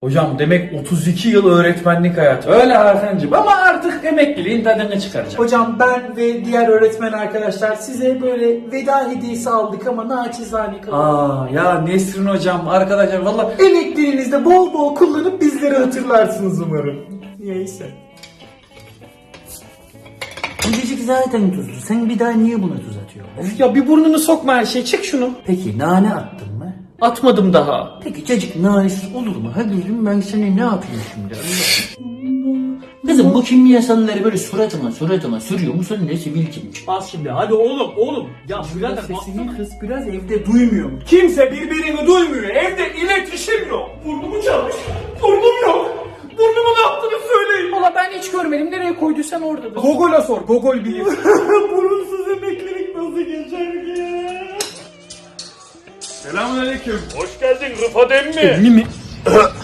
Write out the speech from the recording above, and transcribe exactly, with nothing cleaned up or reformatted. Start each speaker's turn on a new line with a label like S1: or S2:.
S1: Hocam demek otuz iki yıl öğretmenlik hayatı.
S2: Öyle Hakan'cığım ama artık emekliliğin tadını çıkaracağım.
S3: Hocam ben ve diğer öğretmen arkadaşlar size böyle veda hediyesi aldık ama naçizane kalın.
S2: Aa ya Nesrin hocam arkadaşlar valla
S3: Emekliliğinizde bol bol kullanıp bizleri hatırlarsınız umarım. Neyse.
S4: Öncecik zaten tuzlu. Sen bir daha niye buna tuz atıyorsun?
S1: Ya bir burnunu sokma her şey. Çek şunu.
S4: Peki nane attın mı?
S1: Atmadım daha.
S4: Peki cacık nanesiz olur mu? Hadi gülüm ben sana ne yapayım şimdi? Kızım bu kimyasalları böyle suratıma suratıma sürüyor musun ne sivilcim?
S3: Bas şimdi hadi oğlum oğlum. Ya birader
S4: Sesini kız biraz evde duymuyor mu?
S3: kimse birbirini duymuyor. Evde iletişim yok. Burnumu çalmış. Burnum yok. Burnumu ne yaptığını söyleyin.
S1: Valla ben hiç görmedim. Nereye koyduysan oradadır.
S3: Gogol'a sor. Gogol bilir. Burunsuz emeklilik nasıl geçer ki?
S2: Selamünaleyküm.
S5: Hoş geldin Rıfat emmi.
S2: Mi mi?